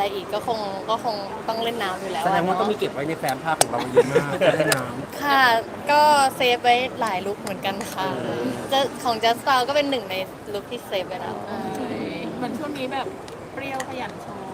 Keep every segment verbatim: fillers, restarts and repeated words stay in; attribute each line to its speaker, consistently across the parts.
Speaker 1: อะไรอีกก็คงก็คงต้องเล่นน้ำอยู่แล้ว
Speaker 2: แสดงว่า
Speaker 1: ะ
Speaker 2: ต้องมี
Speaker 1: เนาะ
Speaker 2: เก็บไว้ในแฟ้มภาพของเราเยอะมากการเล่นน้
Speaker 1: ค่ะก็เซฟไว้หลายลุคเหมือนกันค่ะจะของ Just Style ก็เป็นหนึ่งในลุคที่เซฟไว้แล้ว
Speaker 3: เหมือนช่วงนี้แบบเปรี้ยวขยันโชว์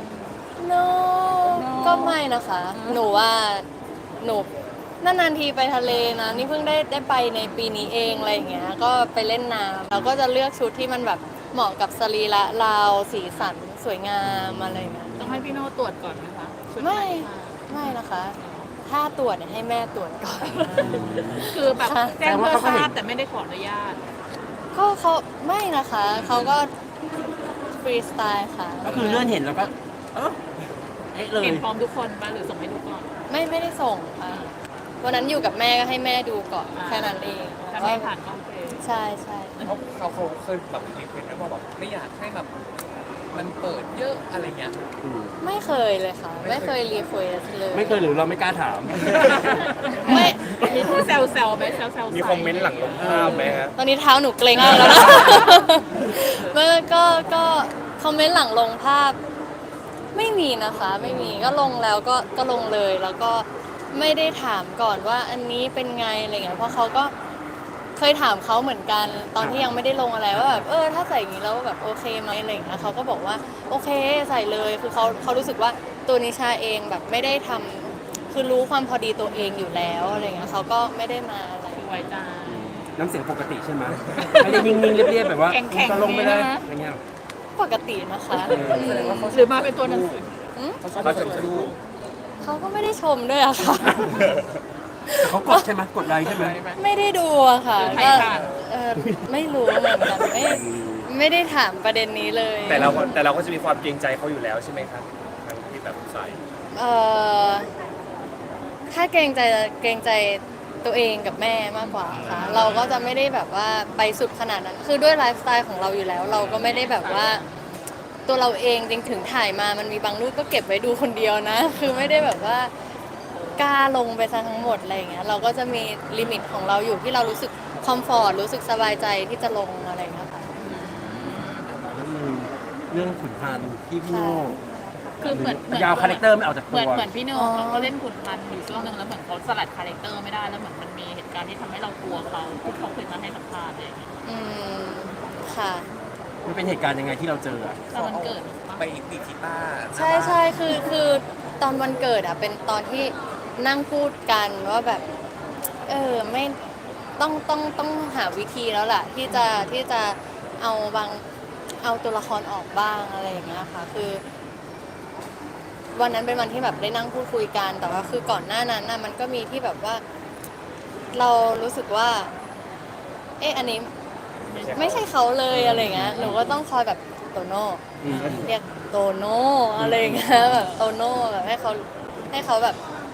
Speaker 1: no
Speaker 3: No
Speaker 1: ก็ไม่นะคะ หนูว่าหนูนานๆทีไปทะเลนะนี่เพิ่งได้ได้ไปในปีนี้เองอะไรอย่างเงี้ยก็ไปเล่นน้ำเราก็จะเลือกชุดที่มันแบบเหมาะกับสรีระเราสีสันสวยงามอะไรอย่างเงี้ย
Speaker 3: ต้องให้พี่โน่ตรวจก่อนไหมคะชุด
Speaker 1: ไม่
Speaker 3: หน
Speaker 1: ไม่นะคะ ถ้าตรวจเนี่ยให้แม่ตรวจก่อน
Speaker 3: คือแบบ
Speaker 1: ค่ะ
Speaker 3: แจ้งเพื่อทราบแต่ไม่ได้ขออนุญาต
Speaker 1: ก็เขาไม่นะคะเขาก็ฟรีสไตล์ค่ะ
Speaker 2: ำก็คือเลื่อนเห็นแล้วก็ เออเอ๊ะเลย
Speaker 3: เห็นพร้อมทุกคนปะหรือส่งให้ดูก่อน
Speaker 1: ไม่ไม่ได้ส่งค่ะวันนั้นอยู่กับแม่ก็ให้แม่ดูก่อน
Speaker 3: อ่า
Speaker 1: แค่นั้นเอง
Speaker 3: ถ้าไม่ผ่านก็โอเค
Speaker 1: ใช่ใช่
Speaker 4: เขาเขาเขาเคยแบบรีเควสต์ไหมว่าแบบไม่อยากให้แบบมันเปิดเยอะอะไรเงี้ย
Speaker 2: อืม
Speaker 1: ไม่เคยเลยค่ะ ไม่เคยรีเควสเลย
Speaker 2: ไม่เคยหรือเราไม่กล้าถาม
Speaker 1: ไม่
Speaker 3: มีผู้แซวแซวๆไหมแซวแซวๆ
Speaker 4: มีคอมเมนต์หลังลงภาพไหมฮะ
Speaker 1: ตอนนี้เท้าหนูเกร็งมากแล้วนะ เมื่อก็ก็คอมเมนต์หลังลงภาพ ไม่มีนะคะ ไม่มีก็ลงแล้วก็ก็ลงเลยแล้วก็ไม่ได้ถามก่อนว่าอันนี้เป็นไงอะไรเงี้ยเพราะเขาก็เคยถามเขาเหมือนกัน ตอนที่ยังไม่ได้ลงอะไรว่าแบบเออถ้าใส่อย่างนี้แล้วแบบโอเคไหมอะไรเงี้ยเขาก็บอกว่าโอเคใส่เลยคือเขาเขารู้สึกว่าตัวนิชาเองแบบไม่ได้ทำคือรู้ความพอดีตัวเองอยู่แล้วอะไรเงี้ยเขาก็ไม่ได้มาอะไร
Speaker 3: คือไว้ใจ
Speaker 2: น้ำเสียงปกติใช่ไหมไม่ได้นิ่งๆเรียบๆแบบว่า
Speaker 3: แข็งๆ
Speaker 2: จะลงไปเลย
Speaker 3: นี่นะ
Speaker 2: อะไรเงี้ย
Speaker 1: ปกตินะคะ
Speaker 2: เออ
Speaker 1: อืม
Speaker 3: หรือมาเป็นตัวหนังสือ
Speaker 1: อืม
Speaker 4: เขาจะดู
Speaker 1: เขาก็ไม่ได้ชมด้วยอะค่ะ
Speaker 2: แต่เขากดใช่ไหมกดไลค์ใช่ไหม
Speaker 1: ไม่ได้ดูอะค่ะ
Speaker 3: ใคร
Speaker 1: ก็
Speaker 3: ผ่าน
Speaker 1: เออไม่รู้เหมือนกันไม่ไม่ได้ถามประเด็นนี้เลย
Speaker 4: แต่เราแต่เราก็จะมีความเกรงใจเขาอยู่แล้วใช่ไหมครับทางที่แบบใส่
Speaker 1: เออถ้าเกรงใจเกรงใจตัวเองกับแม่มากกว่าค่ะ เราก็จะไม่ได้แบบว่าไปสุดขนาดนั้น คือด้วยไลฟ์สไตล์ของเราอยู่แล้ว เราก็ไม่ได้แบบว่า ตัวเราเองจริงถึงถ่ายมามันมีบางรูปก็เก็บไว้ดูคนเดียวนะ คือไม่ได้แบบว่ากล้าลงไปซะทั้งหมดอะไรอย่างเงี้ยเราก็จะมีลิมิตของเราอยู่ที่เรารู้สึกคอมฟอร์ตรู้สึกสบายใจที่จะลงอะไรอย่างเงี้ยค่ะ
Speaker 2: แล้วมีเรื่องขุนพันธ์ที่พี่โน่
Speaker 3: คือเหมือนเหมือน
Speaker 2: ยาวคาแรคเตอร์ไม่ออกจาก
Speaker 3: เห
Speaker 2: ตั
Speaker 3: มือน
Speaker 2: ว
Speaker 3: เหมือนพี่โน่
Speaker 1: อ๋อ
Speaker 3: เขาก็เล่นขุนพันธ์อยู่ช่วงหนึ่งแล้วเหมือนเขาสลัดคาแรคเตอร์ไม่ได้แล้วเหมือนมันมีเหตุการณ์ที่ทำให้เรากลัวเขาที่เขาเคยมาให้สัมภาษณ์อะไรอย่างเงี้ย
Speaker 1: อืมค่ะ
Speaker 2: มันเป็นเหตุการณ์ยังไงที่เราเจออะ
Speaker 3: ตอนมันเกิดปะ
Speaker 4: ไปอีกกีตาร์
Speaker 1: ใช่ใช่คือคือตอนวันเกิดอ่ะเป็นตอนที่นั่งพูดกันว่าแบบ เออไม่ต้องต้องต้องหาวิธีแล้วล่ะ ที่จะที่จะเอาบางเอาตัวละครออกบ้างอะไรอย่างเงี้ยค่ะ คือ วันนั้นเป็นวันที่แบบได้นั่งพูดคุยกัน แต่ว่าคือก่อนหน้านั้นน่ะมันก็มีที่แบบว่า เรารู้สึกว่า เอ๊ะอันนี้ไม่ใช่เขาเลยอะไรอย่างเงี้ยหนูก็ต้องคอยแบบโตโน่
Speaker 2: อืม
Speaker 1: เรียกโตโน่อะไรอย่างเงี้ยแบบโตโน่แบบให้เขาให้เขาแบบ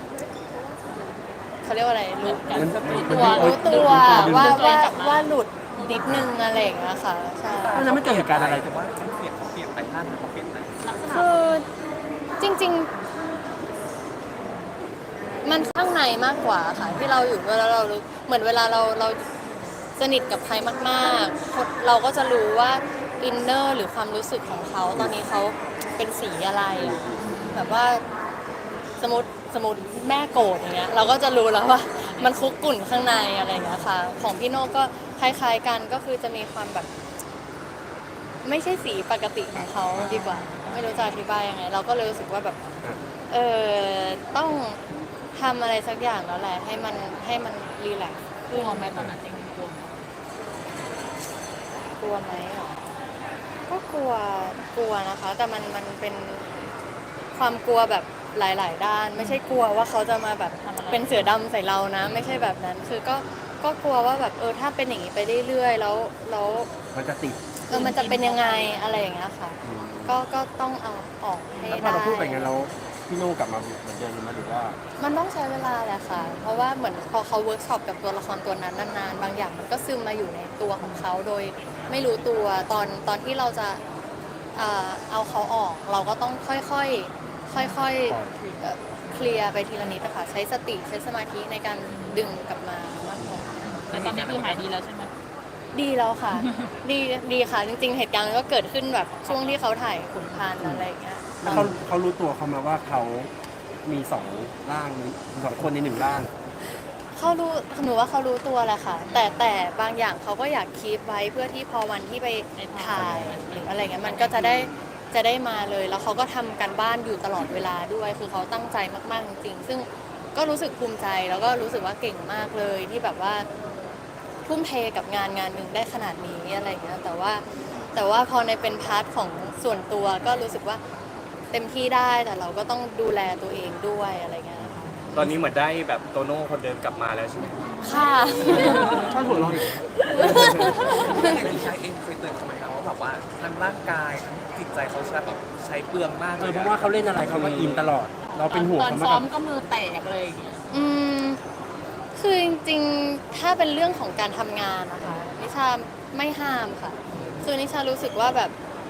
Speaker 1: เขาเรียกว่าอะไรรู้
Speaker 3: กัน
Speaker 2: มัน
Speaker 3: รู้
Speaker 2: มัน
Speaker 3: ตัว
Speaker 1: รู้ตัว
Speaker 3: รู้
Speaker 1: ว่า
Speaker 3: ตัว
Speaker 1: ว่า
Speaker 3: กลับมา
Speaker 1: ว่าหลุดนิดนึงอะไรอย่างเงี้ยค่ะใช่
Speaker 2: ตอนนั้นไม่เกิดเหตุการณ์อะไร
Speaker 4: แต่ว่าเขาเปลี่ยนเขาเปลี่ยนไปท่านเขาเปลี่ยนไป
Speaker 3: ลักษณะ
Speaker 1: คือจริง ๆ มันข้างในมากกว่าค่ะ ที่เราอยู่เวลาเรารู้เหมือนเวลาเราเราสนิทกับใครมากๆ เราก็จะรู้ว่าอินเนอร์หรือความรู้สึกของเขาตอนนี้เขาเป็นสีอะไรอะแบบว่าสมมติสมมติแม่โกรธอย่างเงี้ยเราก็จะรู้แล้วว่ามันคุกกุ่นข้างในอะไรอย่างเงี้ยค่ะ ของพี่โน่ก็คล้าย ๆ กันก็คือจะมีความแบบ ไม่ใช่สีปกติของเขาดีกว่า ไม่รู้จะอธิบายยังไง เราก็เลยรู้สึกว่าแบบ เออต้องทำอะไรสักอย่างแล้วแหละ ให้มันให้มันรีแลกซ์
Speaker 3: กลัวไหมตอนนั้นจริงๆกลัวไหม
Speaker 1: กลัวไหมอ่ะก็กลัวกลัวนะคะ แต่มันมันเป็นความกลัวแบบหลาย ๆ ด้าน ไม่ใช่กลัวว่าเขาจะมาแบบเป็นเสือดำใส่เรานะ ไม่ใช่แบบนั้น คือก็ก็กลัวว่าแบบเออถ้าเป็นอย่างนี้ไปเรื่อยๆแล้วแล้ว
Speaker 2: มันจะติด
Speaker 1: เออมันจะเป็นยังไงอะไรอย่างเงี้ยค่ะ
Speaker 2: อืม
Speaker 1: ก็ก็ต้องเอาออกให้
Speaker 2: แล้วพอ
Speaker 1: ได้
Speaker 2: เราพูดไปงั้นแล้วพี่โน่กลับมาเหมือนเดิมไหมหรือว่า
Speaker 1: มันต้องใช้เวลาแหละค่ะ เพราะว่าเหมือนพอเขาเวิร์กช็อปกับตัวละครตัวนั้นนานๆ บางอย่างมันก็ซึมมาอยู่ในตัวของเขาโดยไม่รู้ตัวตอนตอนที่เราจะเอ่อเอาเขาออก เราก็ต้องค่อยๆค่อยๆเอ่อเคลียร์ไปทีละนิดนะคะใช้สติใช้สมาธิในการดึงกลับมามากกว่า
Speaker 3: แต่ตอนนี้คือหายดีแล้วใช่ไหม
Speaker 1: ดีแล้วค่ะ ดีดีค่ะ จริงๆ เหตุการณ์มันก็เกิดขึ้นแบบช่วงที่เขาถ่ายขุนพันธ์อะไรอย่างเงี้ย
Speaker 2: แล้วเขาเขารู้ตัวเขามาว่าเขามีสองร่างสองคนในหนึ่งร่าง
Speaker 1: เขารู้หนูว่าเขารู้ตัวแหละค่ะ แต่แต่บางอย่างเขาก็อยากคีปไว้เพื่อที่พอวันที่ไปถ่ายหรืออะไรเงี้ยมันก็จะได้จะได้มาเลย แล้วเขาก็ทำการบ้านอยู่ตลอดเวลาด้วย คือเขาตั้งใจมากๆจริงๆซึ่งก็รู้สึกภูมิใจแล้วก็รู้สึกว่าเก่งมากเลยที่แบบว่าทุ่มเทกับงานงานหนึ่งได้ขนาดนี้อะไรเงี้ยแต่ว่าแต่ว่าพอในเป็นพาร์ทของส่วนตัวก็รู้สึกว่าเต็มที่ได้แต่เราก็ต้องดูแลตัวเองด้วยอะไรเงี้ย
Speaker 5: ตอนนี้เหมือนได้แบบโตโน่คนเดิมกลับมาแล้วใช่ไหม
Speaker 1: ค่ะ
Speaker 2: ชอบหัวเราะ
Speaker 4: อย่างที่ชายเองเคยเตือนเขาไหมครับว่าแบบว่าทั้งร่างกายทั้งจิตใจเขาใช้แบบใช้เปลืองมาก
Speaker 2: เอ
Speaker 4: เล
Speaker 2: อย เพราะว่าเขาเล่นอะไรเขาก็อินตลอด เราเป็นห่วง
Speaker 3: ตอน
Speaker 2: เขามา
Speaker 3: ซ้อม
Speaker 2: ก
Speaker 3: ก็มือแตกเลยอย่างเงี้ย
Speaker 1: อืมคือจริงๆ ถ้าเป็นเรื่องของการทำงานนะคะนิชาไม่ห้ามค่ะ คือนิชารู้สึกว่าแบบ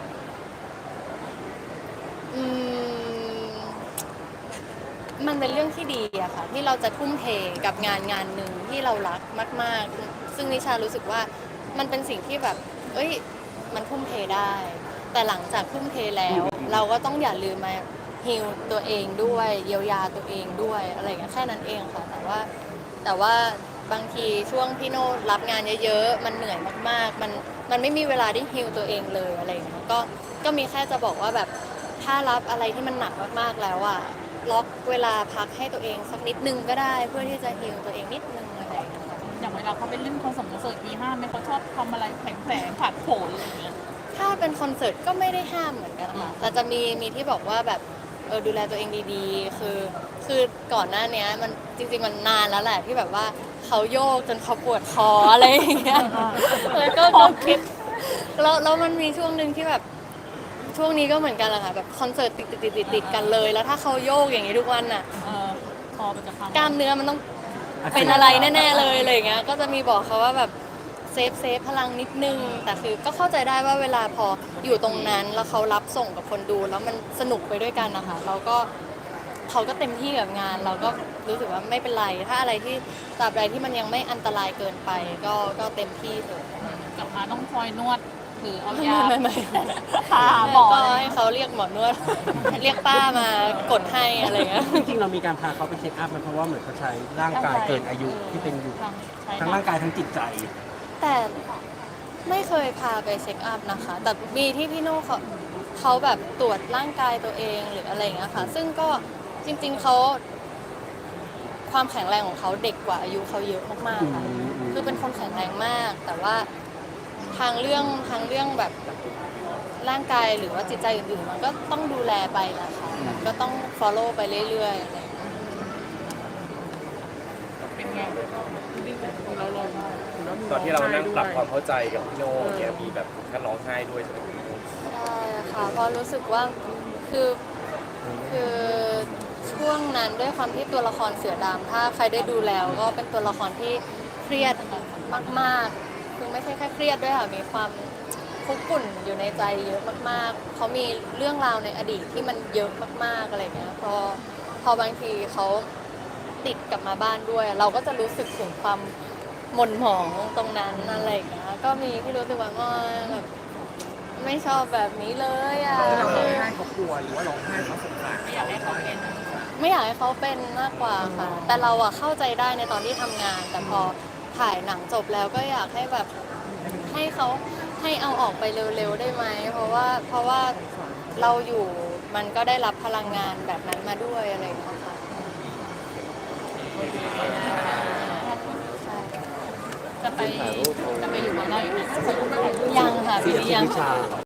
Speaker 1: อืมมันเป็นเรื่องที่ดีอะค่ะ ที่เราจะทุ่มเทกับงานงานหนึ่งที่เรารักมาก ๆ ซึ่งนิชารู้สึกว่ามันเป็นสิ่งที่แบบ เอ้ย มันทุ่มเทได้ แต่หลังจากทุ่มเทแล้ว เราก็ต้องอย่าลืมมาฮีลตัวเองด้วยเยียวยาตัวเองด้วยอะไรอย่างเงี้ยแค่นั้นเองค่ะ แต่ว่าแต่ว่าบางทีช่วงพี่โน่รับงานเยอะๆ มันเหนื่อยมากๆ มันมันไม่มีเวลาได้ฮีลตัวเองเลยอะไรอย่างเงี้ยก็ก็มีแค่จะบอกว่าแบบถ้ารับอะไรที่มันหนักมากๆแล้วอะล็อกเวลาพักให้ตัวเองสักนิดนึงก็ได้ เพื่อที่จะฮีลตัวเองนิดนึงอะไรอย่างเงี้ยค่ะ
Speaker 3: อย่างเวลาเขาไปเล่นคอนเสิร์ตคอนเสิร์ตมีห้ามไหมเขาชอบทำอะไรแผลงๆผัดโผล่อะไรอย่างเงี้ย
Speaker 1: ถ้าเป็นคอนเสิร์ตก็ไม่ได้ห้ามเหมือนกันค่ะ แต่จะมีมีที่บอกว่าแบบเออดูแลตัวเองดีๆ คือคือก่อนหน้าเนี้ยมันจริง ๆ มันนานแล้วแหละที่แบบว่าเขาโยกจนเขาปวดคออะไรอย่างเงี้ยแล้วก็ก็คิดแล้วแล้วมันมีช่วงหนึ่งที่แบบช่วงนี้ก็เหมือนกันแหละค่ะแบบคอนเสิร์ตติดติดติดติดติดกันเลย แล้วถ้าเขาโยกอย่างนี้ทุกวันน่ะ
Speaker 3: เออคอมันจะพัง
Speaker 1: กล้ามเนื้อมันต้องเป็นอะไรแน่ๆเลยอะไรอย่างเงี้ยก็จะมีบอกเขาว่าแบบเซฟเซฟพลังนิดนึง แต่คือก็เข้าใจได้ว่าเวลาพออยู่ตรงนั้นแล้วเขารับส่งกับคนดูแล้วมันสนุกไปด้วยกันนะคะเราก็เขาก็เต็มที่กับงาน เราก็รู้สึกว่าไม่เป็นไร ถ้าอะไรที่ตราบใดที่มันยังไม่อันตรายเกินไป ก็ก็เต็มที่เลย
Speaker 3: กลับมาต้องคอยนวดหรือเอายา
Speaker 1: ไม่ไม่
Speaker 3: พาหมอ
Speaker 1: ก็ให้เขาเรียกหมอนวด เรียกป้ามากดให้อะไรอย่างเงี้ย
Speaker 2: จริงๆเรามีการพาเขาไปเช็คอัพมันเพราะว่าเหมือนเขาใช้ร่างกายเกินอายุที่เป็นอยู่
Speaker 3: ทั้งใช้
Speaker 2: ทั้งร่างกายทั้งจิตใจ
Speaker 1: แต่ไม่เคยพาไปเช็คอัพนะคะ แต่มีที่พี่โน่เขาเขาแบบตรวจร่างกายตัวเองหรืออะไรอย่างเงี้ยค่ะ ซึ่งก็จริงๆเขาความแข็งแรงของเขาเด็กกว่าอายุเขาเยอะมากๆค่ะ
Speaker 2: อืมอืม
Speaker 1: คือเป็นคนแข็งแรงมาก แต่ว่าทางเรื่องทางเรื่องแบบร่างกายหรือว่าจิตใจอื่นๆมันก็ต้องดูแลไปแหละค่ะมันก็ต้อง follow ไปเรื่อยๆอะไรอย่างเงี้ย
Speaker 3: เป็นไงเราลอง
Speaker 5: ตอนที่เรานั่งปรับความเข้าใจกับพี่โน่เนี่ยมีแบบการร้องไห้ด้วยใช่ไหม
Speaker 1: ใช่ค่ะเพราะรู้สึกว่าคือคือช่วงนั้นด้วยความที่ตัวละครเสือดำถ้าใครได้ดูแล้วก็เป็นตัวละครที่เครียดมากๆคือไม่ใช่แค่เครียดด้วยค่ะมีความคุกกุ่นอยู่ในใจเยอะมากๆเขามีเรื่องราวในอดีตที่มันเยอะมากๆอะไรเงี้ยพอพอบางทีเขาติดกลับมาบ้านด้วย เราก็จะรู้สึกถึงความหม่นหมองตรงนั้นอะไรอย่างเงี้ยก็มีที่รู้สึกว่าอ๋อแบบไม่ชอบแบบนี้เลยอ่ะ
Speaker 4: เราร้
Speaker 1: คือ
Speaker 4: องไห้เขากลัวหรือว่าร้องไห้เขาสงสาร
Speaker 3: ไม่อยากให้เขาเป็น
Speaker 1: ไม่อยากให้เขาเป็นมากกว่าค่ะ แต่เราอะเข้าใจได้ในตอนที่ทำงาน แต่พอถ่ายหนังจบแล้วก็อยากให้แบบให้เขาให้เอาออกไปเร็วๆได้ไหม เพราะว่าเพราะว่าเราอยู่มันก็ได้รับพลังงานแบบนั้นมาด้วยอะไรอย่างเงี้ยค่ะใช่
Speaker 3: จะไปจะไปอยู่เมืองนอกอีกไหม
Speaker 1: ยังค่ะ
Speaker 2: ที่
Speaker 1: พี่ยัง
Speaker 2: วิชา